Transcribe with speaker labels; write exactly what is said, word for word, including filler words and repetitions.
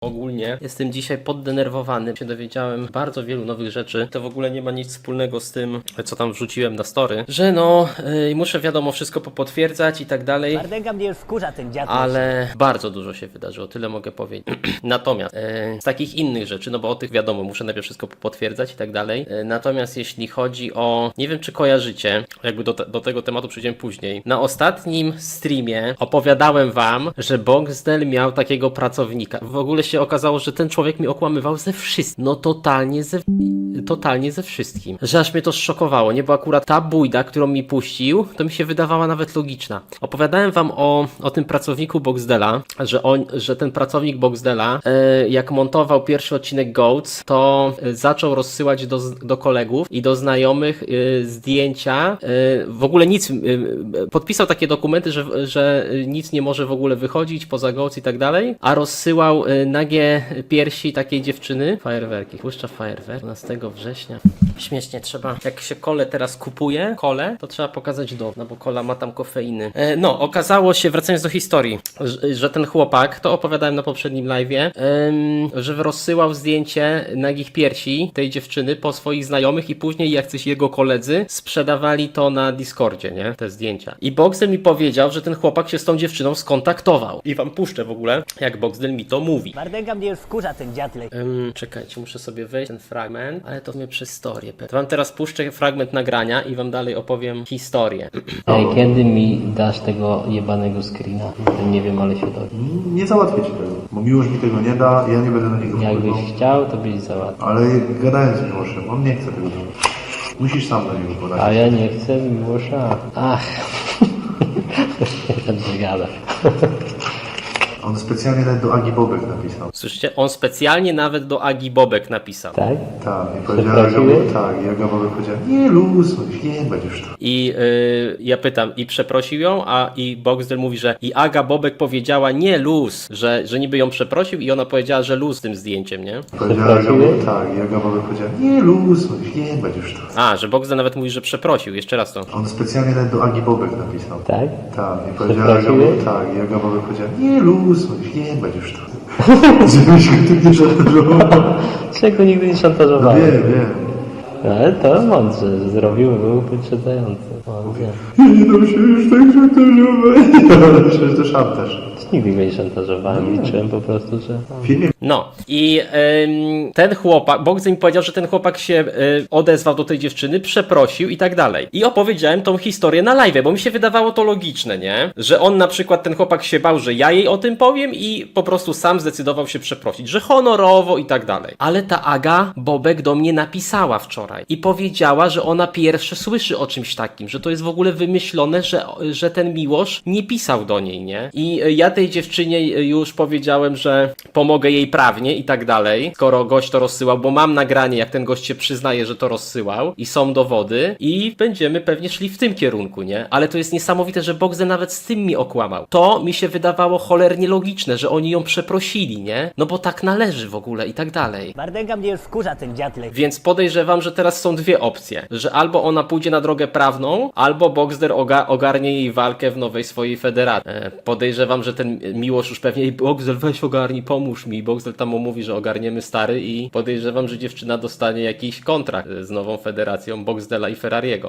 Speaker 1: Ogólnie jestem dzisiaj poddenerwowany, się dowiedziałem bardzo wielu nowych rzeczy. To w ogóle nie ma nic wspólnego z tym, co tam wrzuciłem na story, że no yy, muszę wiadomo wszystko popotwierdzać i tak dalej.
Speaker 2: Mardęga mnie już wkurza ten dziad.
Speaker 1: Ale bardzo dużo się wydarzyło, tyle mogę powiedzieć. Natomiast yy, z takich innych rzeczy, no bo o tych wiadomo, muszę najpierw wszystko potwierdzać i tak dalej. Yy, natomiast jeśli chodzi o, nie wiem czy kojarzycie, jakby do, te, do tego tematu przyjdziemy później. Na ostatnim streamie opowiadałem wam, że Boxdel miał takiego pracownika. W ogóle się okazało, że ten człowiek mi okłamywał ze wszystkim. No totalnie ze... totalnie ze wszystkim. Że aż mnie to zszokowało, nie? Bo akurat ta bójda, którą mi puścił, to mi się wydawała nawet logiczna. Opowiadałem wam o, o tym pracowniku Boxdela, że, on, że ten pracownik Boxdela, e, jak montował pierwszy odcinek Goats, to e, zaczął rozsyłać do, do kolegów i do znajomych e, zdjęcia. E, w ogóle nic, e, podpisał takie dokumenty, że, że nic nie może w ogóle wychodzić poza Goats i tak dalej, a rozsyłał e, nagie piersi takiej dziewczyny. Fajerwerki. Puszcza fajerwerk dwunastego września. Śmiesznie trzeba, jak się kole teraz kupuje, kole, to trzeba pokazać dowód, no bo kola ma tam kofeiny. E, no, okazało się, wracając do historii, że, że ten chłopak, to opowiadałem na poprzednim live'ie, em, że rozsyłał zdjęcie nagich piersi tej dziewczyny po swoich znajomych i później jacyś jego koledzy sprzedawali to na Discordzie, nie? Te zdjęcia. I Boxdel mi powiedział, że ten chłopak się z tą dziewczyną skontaktował. I wam puszczę w ogóle, jak Boxdel mi to mówi.
Speaker 2: Mardęga mnie już wkurza ten dziadlej.
Speaker 1: Um, czekajcie, muszę sobie wejść ten fragment, ale to mnie przez historię. To wam teraz puszczę fragment nagrania i wam dalej opowiem historię.
Speaker 3: Ej, kiedy mi dasz tego jebanego screena? Nie wiem, ale się dowiem.
Speaker 4: Nie załatwię ci tego, bo Miłosz mi tego nie da, ja nie będę na niego wpływał.
Speaker 3: Jakbyś chciał, to byś załatwił.
Speaker 4: Ale gadałem z Miłoszem, on nie chce tego zrobić. Musisz sam na niego podać.
Speaker 3: A ja nie chcę Miłosza. Ach. Ten gada.
Speaker 4: On specjalnie nawet do Agi Bobek napisał.
Speaker 1: Słyszycie? On specjalnie nawet do Agi Bobek napisał.
Speaker 3: Tak?
Speaker 4: Tak, i powiedziała Aga
Speaker 3: Przeprosiłeś?
Speaker 4: Bobek, tak, i Aga Bobek powiedziała, nie luz, nie będziesz to.
Speaker 1: I yy, ja pytam, i przeprosił ją, a i Boxdel mówi, że i Aga Bobek powiedziała nie luz, że, że niby ją przeprosił i ona powiedziała, że luz z tym zdjęciem, nie?
Speaker 4: Powiedziała Aga
Speaker 3: Przeprosiłeś?
Speaker 4: Bobek, tak, i Aga Bobek powiedziała, nie luz, nie będziesz to.
Speaker 1: A, że Boxdel nawet mówi, że przeprosił. Jeszcze raz to.
Speaker 4: On specjalnie nawet do Agi Bobek napisał.
Speaker 3: Tak?
Speaker 4: Tak, i powiedziała Aga
Speaker 3: Przeprosiłeś?
Speaker 4: Bobek, tak, i Aga Bobek powiedziała, nie luz, nie będziesz to. Żebyś go tym nie szantażował.
Speaker 3: Czego nigdy nie
Speaker 4: No
Speaker 3: szantażowałem.
Speaker 4: wiem, wiem.
Speaker 3: Ale to mądrze, że zrobił, był wyprzedzający. Mądrze.
Speaker 4: Ja nie dam się już tak szantażować. Myślę, że to szantaż.
Speaker 3: Nigdy go nie szantażowałem, liczyłem po prostu, że...
Speaker 4: W filmie
Speaker 1: No i ym, ten chłopak, Boxdel mi powiedział, że ten chłopak się y, odezwał do tej dziewczyny, przeprosił i tak dalej. I opowiedziałem tą historię na live, bo mi się wydawało to logiczne, nie? Że on na przykład, ten chłopak się bał, że ja jej o tym powiem i po prostu sam zdecydował się przeprosić, że honorowo i tak dalej. Ale ta Aga Bobek do mnie napisała wczoraj i powiedziała, że ona pierwsze słyszy o czymś takim, że to jest w ogóle wymyślone, że, że ten Miłosz nie pisał do niej, nie? I y, ja tej dziewczynie już powiedziałem, że pomogę jej prawnie i tak dalej, skoro gość to rozsyłał, bo mam nagranie, jak ten gość się przyznaje, że to rozsyłał i są dowody i będziemy pewnie szli w tym kierunku, nie? Ale to jest niesamowite, że Boxdel nawet z tym mi okłamał. To mi się wydawało cholernie logiczne, że oni ją przeprosili, nie? No bo tak należy w ogóle i tak dalej.
Speaker 2: Mardęga mnie już wkurza ten dziadlej.
Speaker 1: Więc podejrzewam, że teraz są dwie opcje, że albo ona pójdzie na drogę prawną, albo Boxdel oga ogarnie jej walkę w nowej swojej federacji. E, podejrzewam, że ten Miłosz już pewnie, Boxdel weź ogarnij, pomóż mi. Boxdel tam mu mówi, że ogarniemy stary i podejrzewam, że dziewczyna dostanie jakiś kontrakt z nową federacją Boxdela i Ferrariego.